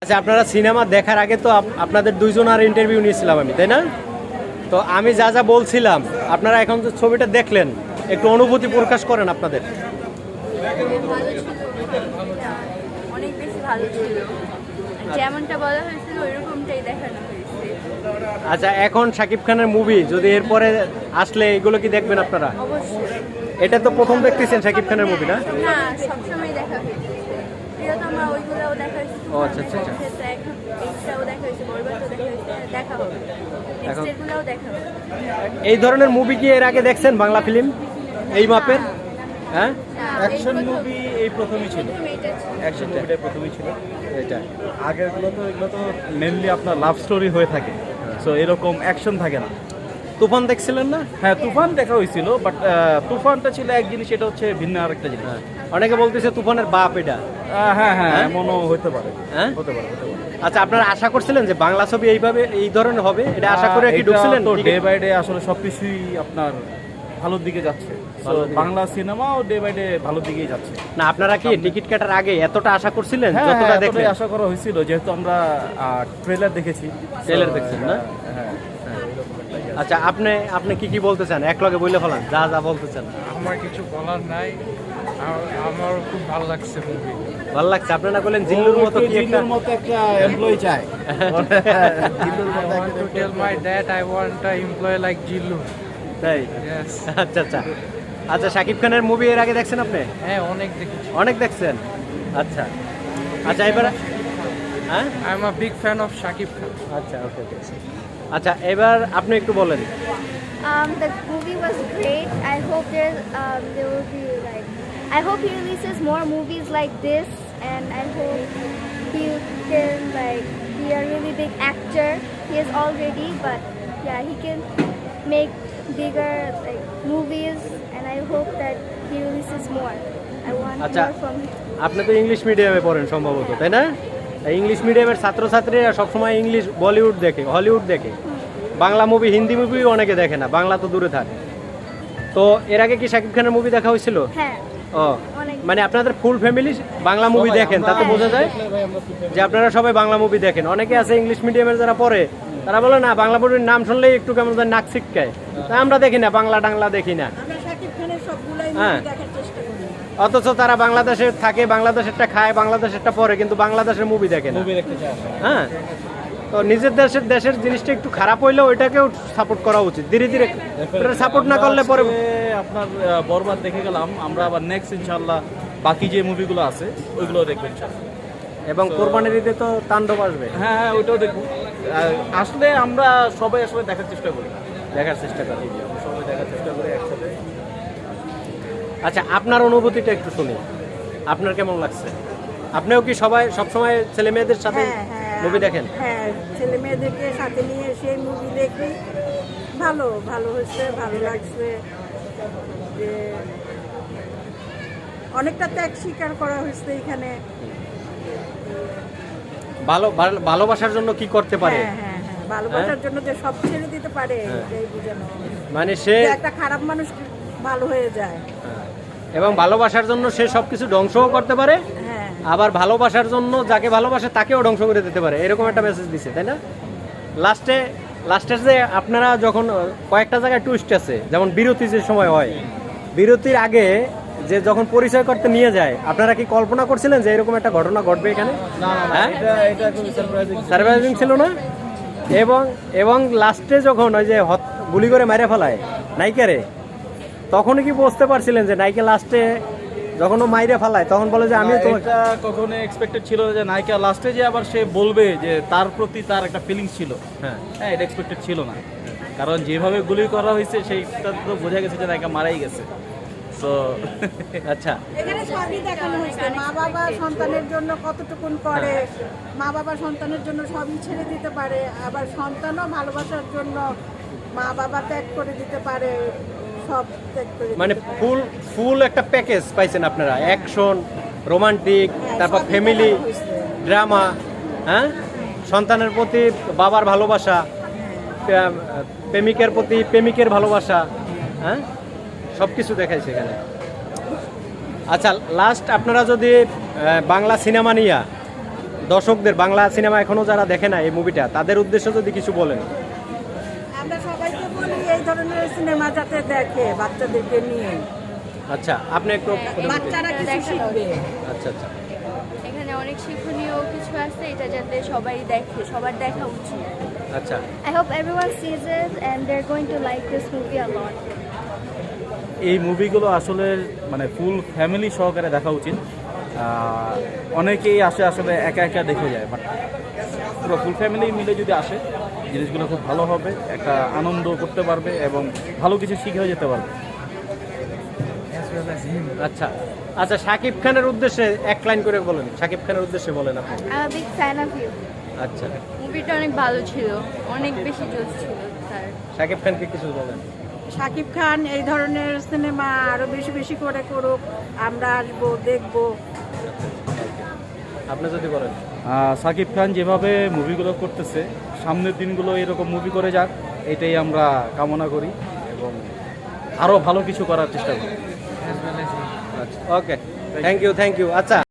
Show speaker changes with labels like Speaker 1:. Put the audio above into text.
Speaker 1: আচ্ছা, আপনারা সিনেমা দেখার আগে তো আপনাদের দুইজনের ইন্টারভিউ নিয়েছিলাম আমি, তাই না? তো আমি যা যা বলছিলাম, আপনারা এখন যে ছবিটা দেখলেন, একটু অনুভূতি প্রকাশ করেন আপনাদের।
Speaker 2: ভালো ছিল, অনেক বেশি ভালো ছিল, যেমনটা বলা হয়েছিল ওইরকমটাই দেখানো হয়েছে।
Speaker 1: আচ্ছা, এখন শাকিব খানের মুভি যদি এরপরে আসলে এগুলো কি দেখবেন আপনারা?
Speaker 2: অবশ্যই।
Speaker 1: এটা তো প্রথম দেখতেছেন শাকিব খানের মুভি, না?
Speaker 2: না, সবসময় দেখা হয়েছে। প্রিয়তমা ওইগুলোও দেখা হয়েছে।
Speaker 1: ও আচ্ছা আচ্ছা আচ্ছা।
Speaker 2: এখন এইটাও দেখা হয়েছে, বরবাদও দেখা হয়েছে, দেখা হবে। নেক্সট এগুলোও দেখা হবে।
Speaker 1: এই ধরনের মুভি কি এর আগে দেখছেন বাংলা ফিল্ম এই মাপের? হ্যাঁ,
Speaker 3: অ্যাকশন মুভি এই প্রথমই ছিল।
Speaker 2: এটা ছিল।
Speaker 3: অ্যাকশন মুভিটা প্রথমই ছিল।
Speaker 1: এটা
Speaker 3: আগেরগুলো তো এগুলো তো মেনলি আপনার লাভ স্টোরি হয়ে থাকে, সো এরকম অ্যাকশন থাকে না।
Speaker 1: তুফান দেখছিলেন না?
Speaker 3: হ্যাঁ, তুফান দেখা হয়েছিল, বাট তুফানটা ছিল এক জিনিস, এটা হচ্ছে ভিন্ন আরেকটা জিনিস।
Speaker 1: অনেকে বলতেছে তুফানের বাপ এটা।
Speaker 3: হ্যাঁ হ্যাঁ, এমনও হতে পারে।
Speaker 1: হ্যাঁ,
Speaker 3: হতে পারে, হতে পারে।
Speaker 1: আচ্ছা, আপনারা আশা করছিলেন যে বাংলা ছবি এইভাবে এই ধরনের হবে, এটা আশা করে কি ঢুকছিলেন?
Speaker 3: তো ডে বাই ডে আসলে সবকিছুই আপনার ভালোর দিকে যাচ্ছে। So, বাংলা সিনেমাও ডে বাই ডে ভালোর দিকেই যাচ্ছে।
Speaker 1: না, আপনারা কি টিকিট কাটার আগে এতটা আশা করছিলেন?
Speaker 3: হ্যাঁ,
Speaker 1: যতটা
Speaker 3: এতটাই
Speaker 1: দেখলেন?
Speaker 3: আশা করা হয়েছিল, যেহেতু আমরা ট্রেলার দেখেছি।
Speaker 1: ট্রেলার দেখছেন না?
Speaker 3: হ্যাঁ।
Speaker 1: আচ্ছা, আপনি কি বলতে চান? এক লগে বলে ফেলান যা যা বলতে চান।
Speaker 4: আমার কিছু বলার নাই, আমার খুব ভালো লাগছে মুভি।
Speaker 1: ভালো লাগছে। আপনারা বলেন জিল্লুর মতো কি একটা
Speaker 3: জিল্লুর মতো একটা এমপ্লয়ি চাই।
Speaker 4: I want to tell my dad I want an employee like Jillu.
Speaker 1: তাই?
Speaker 4: Yes.
Speaker 1: আচ্ছা আচ্ছা আচ্ছা, শাকিব খানের মুভি এর আগে দেখছেন আপনি?
Speaker 4: হ্যাঁ, অনেক দেখেছি।
Speaker 1: অনেক দেখছেন? আচ্ছা আচ্ছা, এবার হ্যাঁ,
Speaker 4: I am a big fan of Shakib Khan.
Speaker 1: আচ্ছা, ওকে ওকে। আচ্ছা, এবার আপনি একটু বলেন।
Speaker 5: The movie was great. I hope there will be I hope he releases more movies like this, and I hope he can be a really big actor. He is already, but yeah, he can make bigger movies, and I hope that he releases more. I want
Speaker 1: আচ্ছা,
Speaker 5: more from him.
Speaker 1: আপনি তো English মিডিয়ামে পড়েন সম্ভবত, তাই না? English মিডিয়ামের ছাত্রছাত্রীরা সবসময় ইংলিশ বলিউড দেখে, হলিউড দেখে, বাংলা মুভি হিন্দি মুভি অনেকে দেখে না, বাংলা তো দূরে থাকে। তো এর আগে কি শাকিব খানের মুভি দেখা হয়েছিল?
Speaker 5: হ্যাঁ,
Speaker 1: ও, মানে আপনাদের ফুল ফ্যামিলি বাংলা মুভি দেখেন, তাতে বোঝা যায় যে আপনারা সবাই বাংলা মুভি দেখেন। অনেকে আছে ইংলিশ মিডিয়ামের যারা পড়ে, তারা বলে না বাংলা মুভির নাম শুনলেই একটু কেমন যেন নাক ছিটকায়, তাই আমরা দেখি না, বাংলা টাংলা দেখি না। হ্যাঁ, অথচ তারা বাংলাদেশে থাকে, বাংলাদেশেরটা খায়, বাংলাদেশেরটা পড়ে, কিন্তু বাংলাদেশের মুভি দেখে না। হ্যাঁ, তো নিজের দেশের জিনিসটা একটু খারাপ হইলেও ওইটাকেও সাপোর্ট করা উচিত ধীরে ধীরে। সাপোর্ট না করলে পরে
Speaker 3: আপনার বরবাদ দেখে গেলাম, আমরা আবার নেক্সট ইনশাআল্লাহ বাকি যে মুভিগুলো আছে ওইগুলো দেখবেন ইনশাআল্লাহ।
Speaker 1: এবং কোরবানির ঈদে তো তাণ্ডব আসবে।
Speaker 3: হ্যাঁ হ্যাঁ, ওইটাও দেখবো। আসলে আমরা সবাই আসলে দেখার চেষ্টা করি। সবাই দেখার চেষ্টা করি একসাথে।
Speaker 1: আচ্ছা, আপনার অনুভূতিটা একটু শুনি, আপনার কেমন লাগছে? আপনিও কি সবসময় ছেলে মেয়েদের সাথে মুভি দেখেন?
Speaker 6: হ্যাঁ, ছেলে মেয়েদেরকে সাথে নিয়ে সেই মুভি দেখি। ভালো হয়েছে, ভালো লাগছে যে অনেকটা ত্যাগ স্বীকার করা হয়েছে এখানে।
Speaker 1: ভালোবাসার জন্য কি করতে পারে?
Speaker 6: হ্যাঁ, ভালোবাসার জন্য যে সব ছেড়ে দিতে পারে, এই বোঝানো।
Speaker 1: মানে সে
Speaker 6: একটা খারাপ মানুষ ভালো হয়ে যায়,
Speaker 1: এবং ভালোবাসার জন্য সে সবকিছু ধ্বংসও করতে পারে,
Speaker 6: হ্যাঁ,
Speaker 1: আবার ভালোবাসার জন্য যাকে ভালোবাসে তাকেও ধ্বংস করে দিতে পারে, এরকম একটা মেসেজ দিছে, তাই না? লাস্টের যে আপনারা যখন কয়েকটা জায়গায় টুইস্ট আছে, যেমন বিরতি যে সময় হয়, বিরতির আগে যে যখন পরিচয় করতে নিয়ে যায়, আপনারা কি কল্পনা করছিলেন যে এরকম একটা ঘটনা ঘটবে এখানে? হ্যাঁ,
Speaker 3: এটা খুবই
Speaker 1: সারপ্রাইজিং ছিল না? এবং লাস্টে যখন ওই যে গুলি করে মেরে ফেলায় নায়িকারে, তখনই কি বুঝতে পারছিলেন যে নায়িকা লাস্টে যখন ও মাইরে ফেলায় তখন বলে যে আমি তো
Speaker 3: এটা কখনো এক্সপেক্টেড ছিল না যে নায়িকা লাস্টে যে আবার সে বলবে যে তার প্রতি তার একটা ফিলিংস ছিল। হ্যাঁ, এটা এক্সপেক্টেড ছিল না, কারণ যেভাবে গুলি করা হয়েছে সেইটা তো বোঝা গেছে যে নায়িকা মারাই গেছে। তো
Speaker 1: আচ্ছা,
Speaker 6: এখানে সবই দেখানো হয়েছে। মা বাবা সন্তানের জন্য কতটুকুন করে, মা বাবা সন্তানের জন্য সবই ছেড়ে দিতে পারে, আবার সন্তানও ভালোবাসার জন্য মা বাবা ত্যাগ করে দিতে পারে, সব ত্যাগ করে
Speaker 1: মানে ফুল একটা প্যাকেজ পাইছেন আপনারা, অ্যাকশন, রোমান্টিক, তারপর
Speaker 6: সবই
Speaker 1: ফ্যামিলি
Speaker 6: দেখানো হয়েছে।
Speaker 1: ড্রামা, হ্যাঁ, সন্তানের প্রতি বাবার ভালোবাসা, প্রেমিকের প্রতি প্রেমিকের ভালোবাসা, হ্যাঁ, সব কিছু দেখাইছে এখানে। আচ্ছা, লাস্ট আপনারা যদি বাংলা সিনেমা নিয়ে দর্শকদের, বাংলা সিনেমা এখনো যারা দেখে না এই মুভিটা, তাদের উদ্দেশ্যে যদি কিছু বলেন।
Speaker 6: আমরা সবাইকে বলি এই ধরনের সিনেমা যাতে দেখে বাচ্চাদেরকে নিয়ে,
Speaker 1: আচ্ছা, আপনি একটু
Speaker 6: বাচ্চারা কিছু শিখবে।
Speaker 1: আচ্ছা আচ্ছা,
Speaker 2: এখানে অনেক শিক্ষণীয় কিছু আছে, এটা যাতে সবাই দেখে, সবার দেখা উচিত।
Speaker 1: আচ্ছা।
Speaker 5: I hope everyone sees it and they're going to like this movie a lot.
Speaker 3: এই মুভিগুলো আসলে মানে ফুল ফ্যামিলি সহকারে দেখা উচিত। অনেকেই আসে আসলে একা একা দেখে যায়, বাট পুরো ফুল ফ্যামিলি মিলে যদি আসে জিনিসগুলো খুব ভালো হবে, একটা আনন্দ করতে পারবে এবং ভালো কিছু শিখেও যেতে পারবে।
Speaker 1: আচ্ছা আচ্ছা, শাকিব খানের উদ্দেশ্যে এক লাইন করে বলেন, শাকিব খানের উদ্দেশ্যে বলেন আপনি।
Speaker 5: I'm a big fan of you.
Speaker 1: আচ্ছা,
Speaker 2: মুভিটা অনেক ভালো ছিল, অনেক বেশি জোশ ছিল স্যার।
Speaker 1: শাকিব খানকে কিছু বলেন।
Speaker 6: শাকিব খান এই ধরনের সিনেমা আরো বেশি বেশি করে করুক, আমরা আসবো, দেখবো।
Speaker 1: আপনি যদি বলেন।
Speaker 3: সাকিব খান যেভাবে মুভিগুলো করতেছে, সামনের দিনগুলো এরকম মুভি করে যাক, এটাই আমরা কামনা করি এবং আরও ভালো কিছু করার চেষ্টা করি।
Speaker 1: আচ্ছা, ওকে, থ্যাংক ইউ। আচ্ছা।